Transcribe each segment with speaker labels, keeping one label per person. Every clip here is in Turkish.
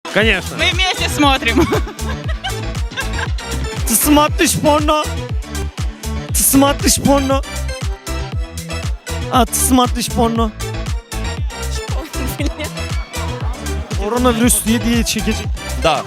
Speaker 1: Конечно.
Speaker 2: Мы вместе смотрим.
Speaker 3: Ты смотришь порно? Ты смотришь порно? А ты смотришь порно? Koronavirüs diye çekecek.
Speaker 1: Да.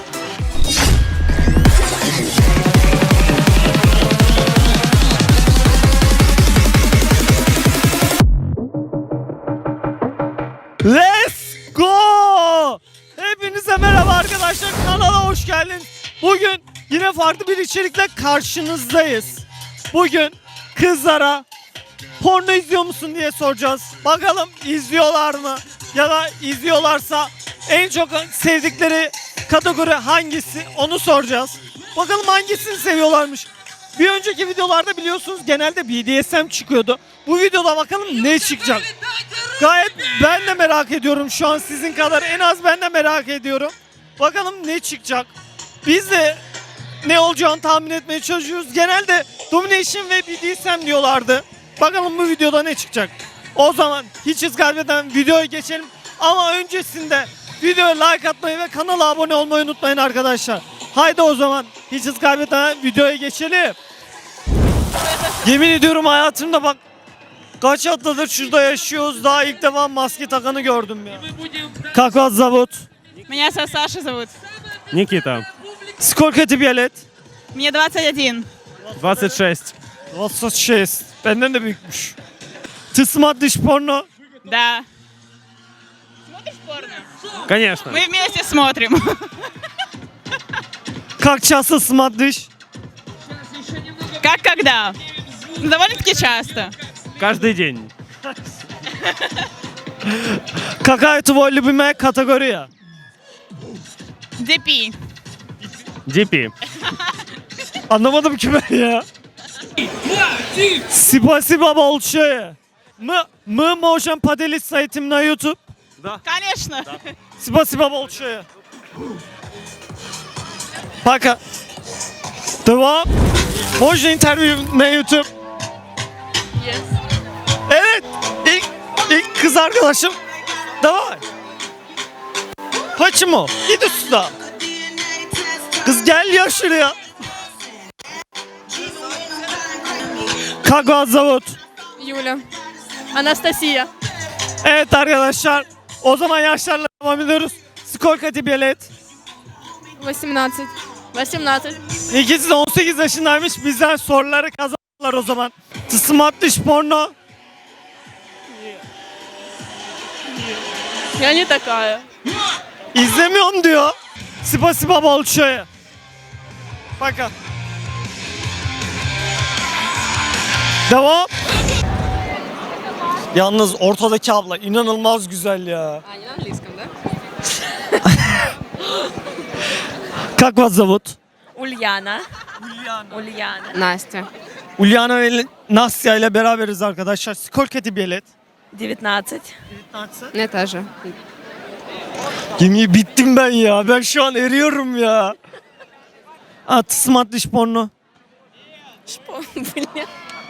Speaker 3: Let's go! Hepinize merhaba arkadaşlar, kanala hoş geldiniz. Bugün yine farklı bir içerikle karşınızdayız. Bugün kızlara porno izliyor musun diye soracağız. Bakalım izliyorlar mı? Ya da izliyorlarsa en çok sevdikleri kategori hangisi, onu soracağız. Bakalım hangisini seviyorlarmış. Bir önceki videolarda biliyorsunuz genelde BDSM çıkıyordu. Bu videoda bakalım ne çıkacak. Gayet ben de merak ediyorum şu an sizin kadar, en az ben de merak ediyorum. Bakalım ne çıkacak. Biz de ne olacağını tahmin etmeye çalışıyoruz. Genelde Domination ve BDSM diyorlardı. Bakalım bu videoda ne çıkacak. O zaman hiç hız kaybeden videoya geçelim. Ama öncesinde videoya like atmayı ve kanala abone olmayı unutmayın arkadaşlar. Haydi o zaman hiç hız kaybeden videoya geçelim. Yemin ediyorum hayatımda bak kaç haftadır şurada yaşıyoruz, daha ilk defa maske takanı gördüm ya. Как вас зовут?
Speaker 2: Меня Саша зовут.
Speaker 1: Никита.
Speaker 3: Сколько тебе лет?
Speaker 2: Мне 21.
Speaker 1: 26.
Speaker 3: 26. Benden de büyükmüş. Ты смотришь порно?
Speaker 2: Да. Смотришь порно?
Speaker 1: Конечно.
Speaker 2: Мы вместе смотрим.
Speaker 3: Как часто смотришь?
Speaker 2: Как когда? Довольно-таки часто.
Speaker 1: Каждый день.
Speaker 3: Какая твоя любимая категория?
Speaker 2: DP.
Speaker 1: DP.
Speaker 3: Anlamadım ki ben ya. Спасибо большое. Мы можем поделиться этим на YouTube?
Speaker 2: Конечно.
Speaker 3: Спасибо большое. Пока. Devam. Можно интервью на YouTube? Evet. İlk kız arkadaşım. Давай. Почему? Иди сюда. Kız gel ya şuraya. Как вас зовут?
Speaker 4: Юля. Анастасия.
Speaker 3: Evet arkadaşlar. O zaman yaşlarla devam ediyoruz. Сколько тебе лет?
Speaker 4: 18. 18.
Speaker 3: İkisi de 18 yaşındaymış. Bizden soruları kazandılar o zaman. Ты смотришь порно?
Speaker 4: Я не такая.
Speaker 3: İzlemiyorum diyor. Спасибо большое. Пока. Devam. Yalnız ortadaki abla inanılmaz güzel ya.
Speaker 4: А, не на английском, да?
Speaker 3: Как вас зовут?
Speaker 4: Ульяна. Ульяна. Настя.
Speaker 3: Ulyana ve Nastya ile beraberiz arkadaşlar. Сколько тебе лет?
Speaker 4: 19.
Speaker 3: 19.
Speaker 4: Мне тоже.
Speaker 3: Yemin bittim ben ya. Ben şu an eriyorum ya. А ты смотришь порно?
Speaker 4: Блин.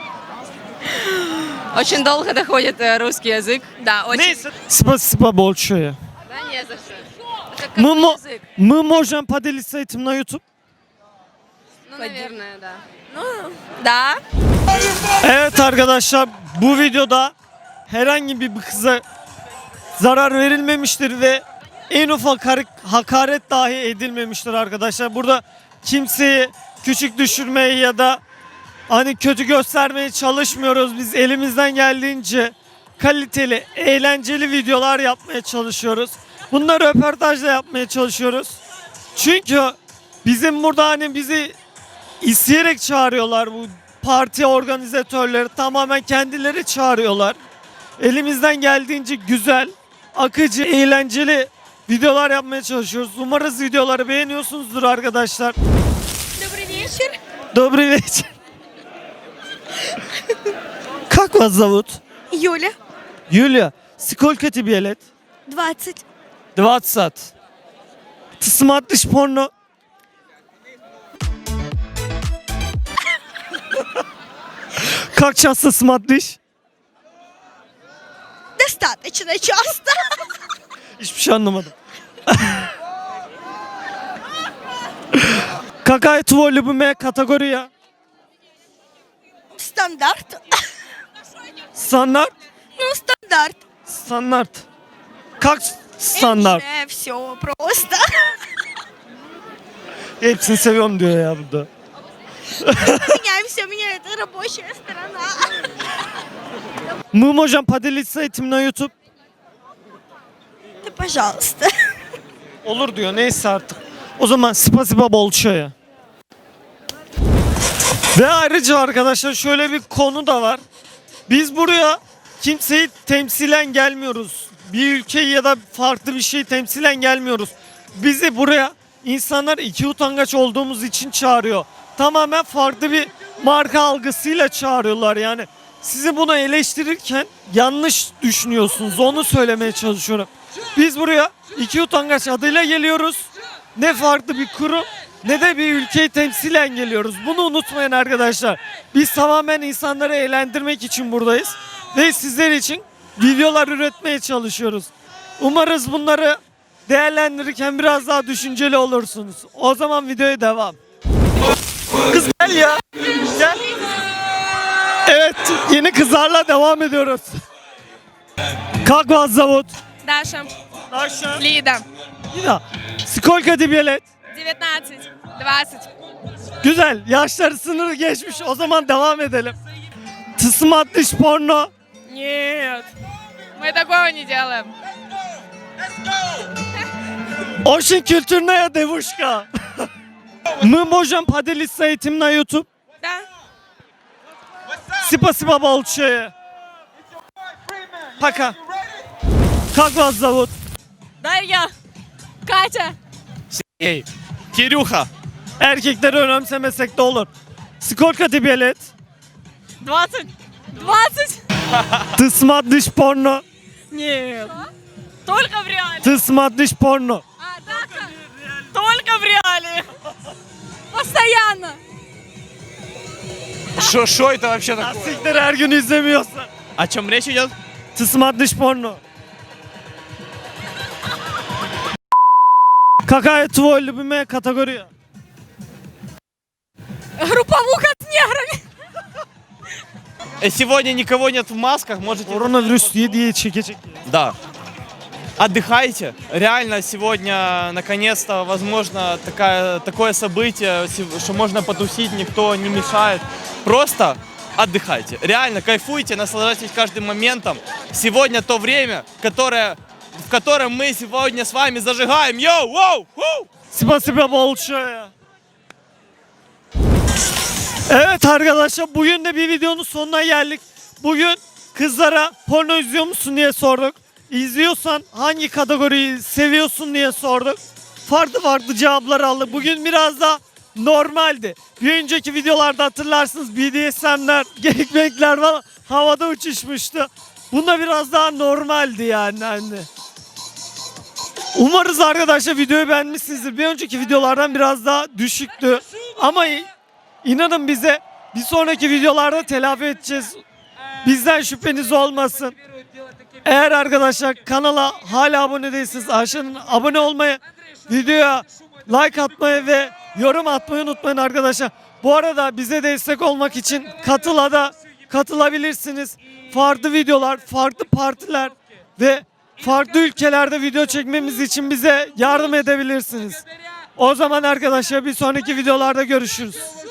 Speaker 4: Очень долго доходит русский язык. Да, очень.
Speaker 3: Neyse. Спасибо большое.
Speaker 4: Да, не за что. Это
Speaker 3: Мы,
Speaker 4: какой язык?
Speaker 3: мы можем поделиться этим на YouTube?
Speaker 4: Ну, наверное, да. Ну, да.
Speaker 3: Evet arkadaşlar, bu videoda herhangi bir kıza zarar verilmemiştir ve en ufak hakaret dahi edilmemiştir arkadaşlar. Burada kimseyi küçük düşürmeye ya da hani kötü göstermeye çalışmıyoruz. Biz elimizden geldiğince kaliteli, eğlenceli videolar yapmaya çalışıyoruz. Bunları röportajla yapmaya çalışıyoruz. Çünkü bizim burada hani bizi isteyerek çağırıyorlar, bu parti organizatörleri tamamen kendileri çağırıyorlar. Elimizden geldiğince güzel, akıcı, eğlenceli videolar yapmaya çalışıyoruz. Umarız videoları beğeniyorsunuzdur arkadaşlar.
Speaker 4: Добрый вечер.
Speaker 3: Добрый вечер. Как вас зовут?
Speaker 5: Юля,
Speaker 3: Юлия. Сколько тебе лет?
Speaker 5: 20.
Speaker 3: 20. Ты смотришь порно? Как часто смотришь?
Speaker 5: Достаточно часто.
Speaker 3: Hiçbir şey anlamadım. Какая твой любимая категория?
Speaker 5: Стандарт.
Speaker 3: Стандарт?
Speaker 5: Ну, стандарт.
Speaker 3: Стандарт. Как стандарт?
Speaker 5: Все просто.
Speaker 3: Hepsini seviyorum diyor ya burada.
Speaker 5: Меняемся, меня это рабочая сторона.
Speaker 3: Мы можем поделиться этим на YouTube.
Speaker 5: Да, пожалуйста.
Speaker 3: Olur diyor neyse artık. O zaman spasiba bolçaya. Ve ayrıca arkadaşlar şöyle bir konu da var. Biz buraya kimseyi temsilen gelmiyoruz. Bir ülkeyi ya da farklı bir şeyi temsilen gelmiyoruz. Bizi buraya insanlar iki utangaç olduğumuz için çağırıyor. Tamamen farklı bir marka algısıyla çağırıyorlar yani. Sizi bunu eleştirirken yanlış düşünüyorsunuz. Onu söylemeye çalışıyorum. Biz buraya iki utangaç adıyla geliyoruz. Ne farklı bir kurum ne de bir ülkeyi temsilen geliyoruz. Bunu unutmayın arkadaşlar. Biz tamamen insanları eğlendirmek için buradayız. Ve sizler için videolar üretmeye çalışıyoruz. Umarız bunları değerlendirirken biraz daha düşünceli olursunuz. O zaman videoya devam. Kız gel ya. Gel. Evet, yeni kızlarla devam ediyoruz. Как вас зовут?
Speaker 4: Даша.
Speaker 3: Даша.
Speaker 4: Лида.
Speaker 3: Lida. Сколько тебе лет?
Speaker 4: 19. 20.
Speaker 3: Güzel. Yaşları sınırı geçmiş. O zaman devam edelim. Ты смотришь porno?
Speaker 4: Нет. Мы такого не делаем.
Speaker 3: Очень культурная девушка. Мы можем поделиться этим на YouTube?
Speaker 4: Да.
Speaker 3: Спасибо большое. Пока. Как вас зовут?
Speaker 4: Дарья. Катя.
Speaker 1: Ey. Кирюха.
Speaker 3: Erkekleri önemsemesek de olur. Сколько тебе лет?
Speaker 4: 20. 20.
Speaker 3: Ты смотришь порно?
Speaker 4: Нет. Только в реале.
Speaker 3: Ты смотришь порно?
Speaker 4: А, да. Только в реале. Постоянно.
Speaker 1: Что это вообще такое?
Speaker 3: Siktir her gün izlemiyorsun.
Speaker 1: О чем речь идет?
Speaker 3: Ты смотришь порно? Какая твой любимая категория?
Speaker 4: Групповуха с неграми.
Speaker 6: Сегодня никого нет в масках, можете...
Speaker 3: Koronavirüs diye çekecek.
Speaker 6: Да. Отдыхайте. Реально сегодня, наконец-то, возможно, такое событие, что можно потусить, никто не мешает. Просто отдыхайте. Реально кайфуйте, наслаждайтесь каждым моментом. Сегодня то время, в котором мы сегодня с вами зажигаем. Йоу, воу, воу!
Speaker 3: Спасибо большое. Evet arkadaşlar bugün de bir videonun sonuna geldik. Bugün kızlara porno izliyor musun diye sorduk. İzliyorsan hangi kategoriyi seviyorsun diye sorduk. Farklı farklı cevaplar aldık. Bugün biraz da normaldi. Bir önceki videolarda hatırlarsınız BDSM'ler, gangbang'ler falan havada uçuşmuştu. Bunda biraz daha normaldi yani. Umarız arkadaşlar videoyu beğenmişsinizdir. Bir önceki videolardan biraz daha düşüktü. Ama inanın bize bir sonraki videolarda telafi edeceğiz. Bizden şüpheniz olmasın. Eğer arkadaşlar kanala hala abone değilseniz aşağıdan abone olmayı, videoya like atmayı ve yorum atmayı unutmayın arkadaşlar. Bu arada bize destek olmak için Katıl'a da katılabilirsiniz. Farklı videolar, farklı partiler ve farklı ülkelerde video çekmemiz için bize yardım edebilirsiniz. O zaman arkadaşlar bir sonraki videolarda görüşürüz.